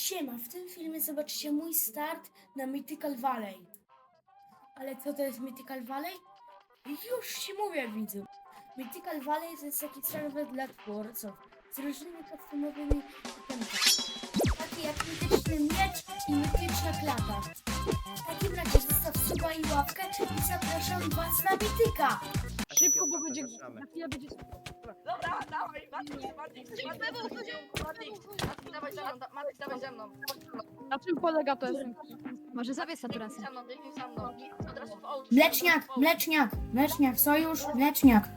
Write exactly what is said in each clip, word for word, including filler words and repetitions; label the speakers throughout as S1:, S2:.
S1: Siema, w tym filmie zobaczycie mój start na Mythical Valley. Ale co to jest Mythical Valley? Już ci mówię, widzu. Mythical Valley to jest taki serwer dla twórców z różnymi podstawowymi itemkami. Takie jak mityczny miecz i mityczna klata. W takim razie zostaw suba i łapkę i zapraszam was na Mythica.
S2: Szybko, bo będzie... Na chwilę będzie...
S3: Dobra, dawaj, Matrix, Matrix, Matrix, Matrix, dawaj ze mną, Matrix, dawaj ze mną.
S2: Na czym polega to jest? Może zawiesz
S3: Biegnij
S2: saturację.
S3: za mną, biegnij za mną. Od razu w ołcz.
S1: Mleczniak, mleczniak, mleczniak, sojusz, mleczniak.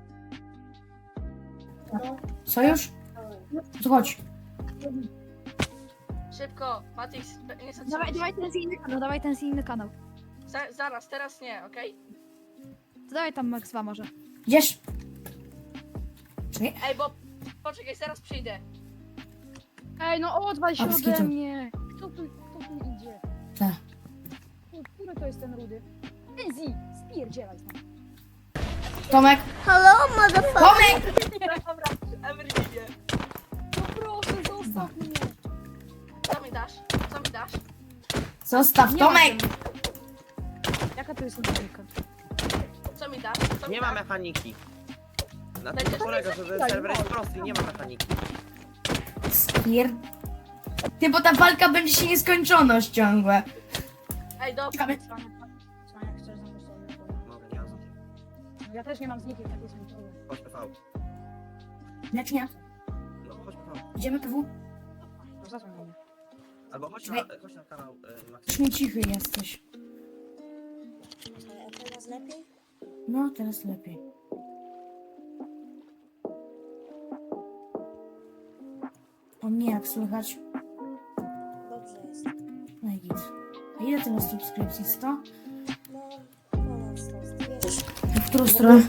S1: Sojusz? To chodź.
S3: Szybko, Matrix, nie chcę
S2: Dawaj, dawaj ten z inny kanał, dawaj ten z inny kanał.
S3: Za, zaraz, teraz nie, okej?
S2: To dawaj tam Max dwa może.
S1: Idziesz? Czekaj.
S3: Ej, bo... Poczekaj, zaraz przyjdę.
S2: Ej, no odwal się
S1: A,
S2: ode
S1: skitu.
S2: mnie. Kto tu, kto tu idzie?
S1: Tak.
S2: Ku- Który to jest ten rudy? Ten Z, spierdzielaj stąd.
S1: Tomek. Tomek!
S3: Dobra, Emerynie.
S2: No proszę, zostaw mnie.
S3: Co mi dasz? Co mi dasz?
S1: Zostaw,
S2: Nie ma
S1: Tomek!
S2: tego. Jaka to jest mechanika?
S3: Co mi dasz? Co mi
S4: Nie ma
S3: dasz?
S4: mechaniki. Na
S3: Będzie
S4: tym to polega, że ten
S2: tak,
S4: serwer jest
S2: no.
S4: prosty i nie ma mechaniki.
S1: Spier... Ty, bo ta walka będzie się nieskończoność ciągłe.
S3: Ej, dobra.
S1: Ciekawe.
S2: Cwania, chcesz ze mną sobie
S4: Mogę, nie mam z nikim.
S2: Ja też nie mam z nikim takiej samej.
S4: Chodź P V.
S1: Mleczniak,
S4: No chodź P V.
S1: idziemy P W?
S2: No zasłoń mnie.
S4: Albo chodź na, chodź na kanał y, Max.
S1: Już mi cichy jesteś.
S5: A teraz lepiej?
S1: No, teraz lepiej. O mnie jak słychać?
S5: Dobrze jest.
S1: No i git. A ile ty masz subskrypcji? sto?
S5: No, ponad sto. Wiesz,
S1: W którą stronę?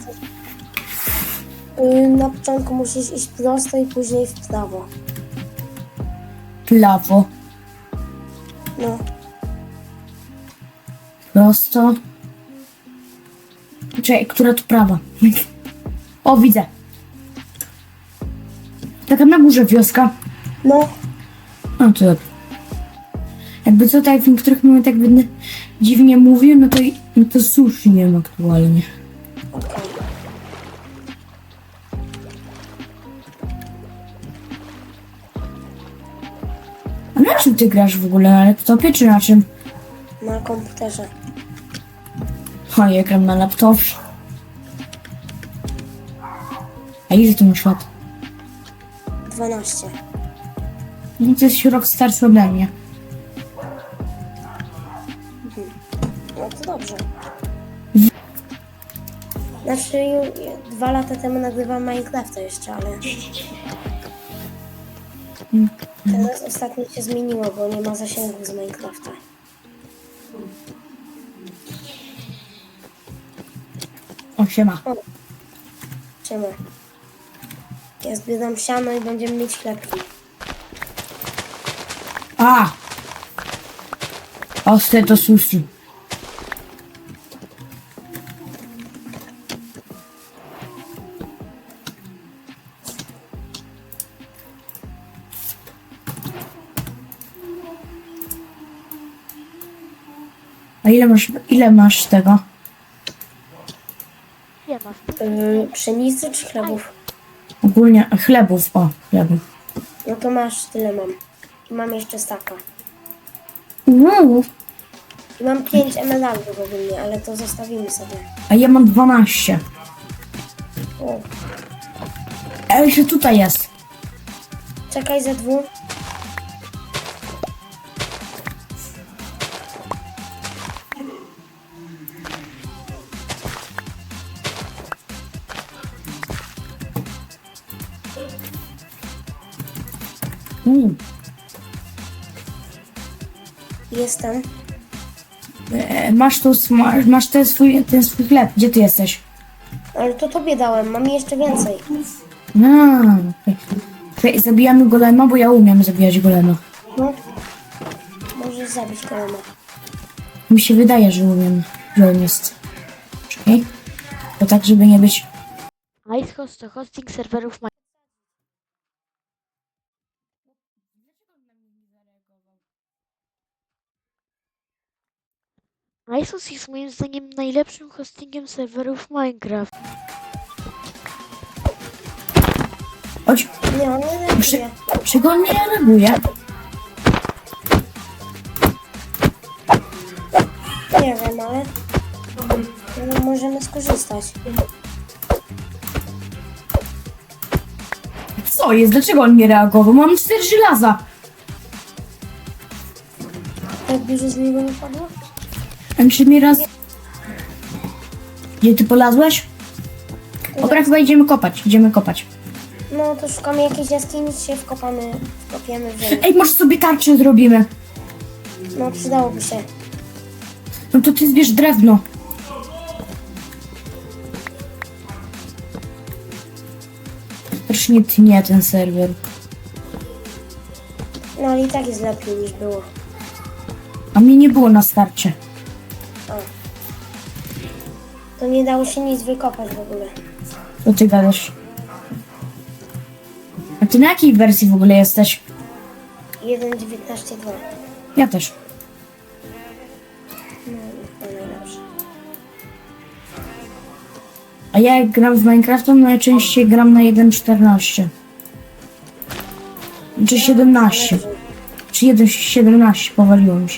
S5: yy, na początku musisz iść prosto i później w prawo.
S1: Prawo.
S5: No,
S1: Prosto. Czekaj, która to prawa? O, widzę. Taka na górze wioska.
S5: no,
S1: No to dobrze. Jakby co, tak w niektórych momentach będę dziwnie mówił, no to, i- no to sushi nie mam aktualnie.
S5: okej.
S1: A na czym ty grasz w ogóle? Na laptopie czy na czym?
S5: Na komputerze.
S1: O, ja gram na laptopie. A ile ty masz lat?
S5: dwanaście.
S1: No to jest rok starszy ode mnie.
S5: No to dobrze. Znaczy, ju- dwa lata temu nagrywam Minecrafta jeszcze, ale... Teraz ostatnio się zmieniło, bo nie ma zasięgów z Minecrafta.
S1: O, siema.
S5: Czemu? Ja zbieram siano i będziemy mieć chlebki.
S1: A! Ostre to sushi. A ile masz, ile masz tego?
S5: Yy, pszenicy czy chlebów?
S1: Ogólnie chlebów, o, chlebów.
S5: No to masz, tyle mam. I mam jeszcze staka.
S1: Uuu,
S5: I mam pięć emeraldów ogólnie, ale to zostawimy sobie.
S1: a ja mam dwanaście.
S5: O,
S1: A jeszcze tutaj jest.
S5: czekaj ze dwóch.
S1: Mm.
S5: Jestem.
S1: E, masz tu, sma- masz ten swój, ten swój chleb. Gdzie ty jesteś?
S5: Ale to tobie dałem, mam jeszcze więcej.
S1: No, okej. Czekaj, zabijamy golema, bo ja umiem zabijać golema.
S5: No. Możesz zabić kolana.
S1: Mi się wydaje, że umiem, że on jest. Czekaj. To tak, żeby nie być...
S6: IceHost to hosting serwerów. ISOS jest moim zdaniem najlepszym hostingiem serwerów Minecraft.
S1: Chodź,
S5: Nie, on nie reaguje.
S1: czego on nie reaguje?
S5: Nie wiem, ale no, możemy skorzystać.
S1: Co jest? Dlaczego on nie reagował? Mam cztery żelaza.
S5: Tak dużo z niego nie padło?
S1: A mi się mi raz... Gdzie ty polazłeś? Dobra, chyba idziemy kopać, idziemy kopać.
S5: No to szukamy jakiejś jaskini, się wkopamy, wkopiemy w ziemię.
S1: Ej, może sobie tarczę zrobimy?
S5: No przydałoby się.
S1: No to ty zbierz drewno. Strasznie tnie ten serwer.
S5: No ale i tak jest lepiej niż było.
S1: A mnie nie było na starcie.
S5: To nie dało się nic wykopać w ogóle.
S1: Co ty gadasz? A ty na jakiej wersji w ogóle jesteś?
S5: jeden dziewiętnaście dwa.
S1: Ja też.
S5: No, to najlepsze.
S1: A ja jak gram w Minecrafta, najczęściej gram na jeden czternaście. Czy siedemnaście. Czy jeden siedemnaście powaliło mi się.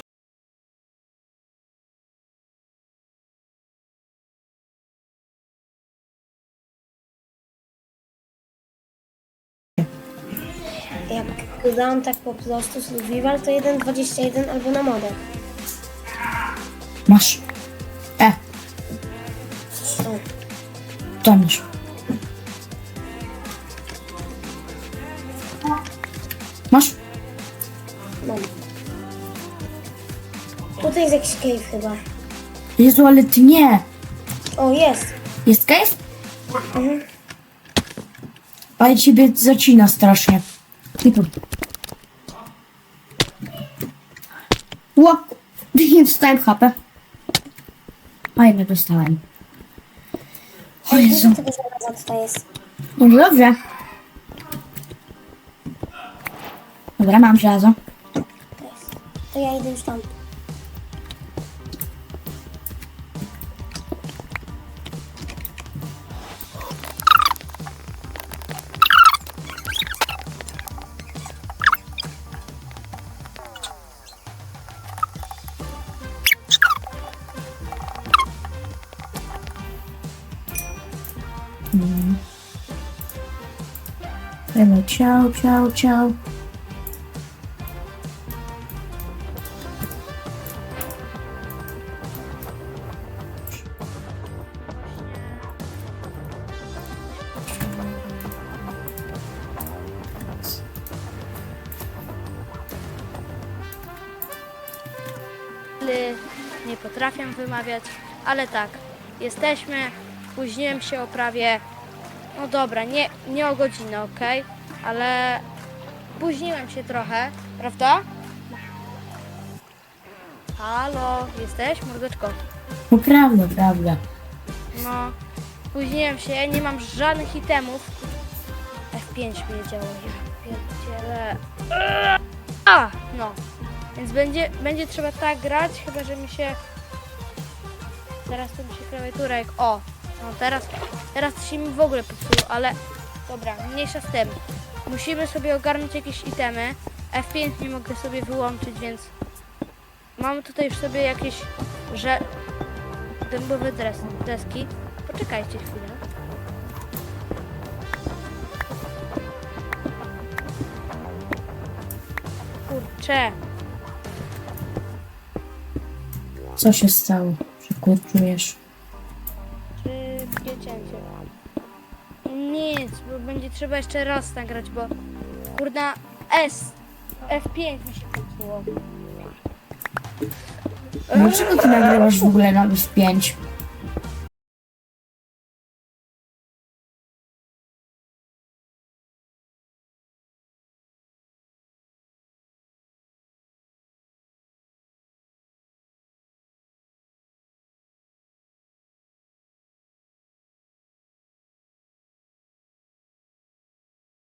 S5: Jak go dałam tak po prostu survival, to jeden dwadzieścia jeden albo na modę.
S1: Masz. E,
S5: O,
S1: to masz. Masz?
S5: mam. Tutaj jest jakiś cave chyba.
S1: Jezu, ale ty nie.
S5: O, jest.
S1: Jest cave?
S5: Mhm.
S1: Ale ciebie zacina strasznie. I tu. Łap. Nie dostałem H P. A ja nie dostałem. O Jezu.
S5: Dużo tego żelaza tutaj jest.
S1: No dobrze. Dobra, mam żelazo.
S5: To ja idę już tam.
S1: Dajmy ciao, ciao, ciao.
S7: Nie potrafię wymawiać, ale tak, jesteśmy, spóźniłem się o prawie, no dobra, nie, nie o godzinę, ok, ale spóźniłem się trochę, prawda? Halo, jesteś, mordeczko?
S1: No prawda, prawda.
S7: No, spóźniłem się, nie mam żadnych itemów. F pięć mnie działo, ja pierdzielę. A, no. Więc będzie, będzie trzeba tak grać, chyba że mi się... Teraz to mi się klawiatura jak... O, no teraz, teraz się mi w ogóle popsuło, ale... Dobra, mniejsza z tym. Musimy sobie ogarnąć jakieś itemy. F pięć nie mogę sobie wyłączyć, więc... Mamy tutaj już sobie jakieś... że... dębowe dres, deski. Poczekajcie chwilę. Kurczę.
S1: Co się stało? Przekurczujesz.
S7: Szybkie cięcie. Nic, bo będzie trzeba jeszcze raz nagrać, bo kurna S F pięć mi się popsuło.
S1: Dlaczego ty nagrywasz w ogóle na F pięć?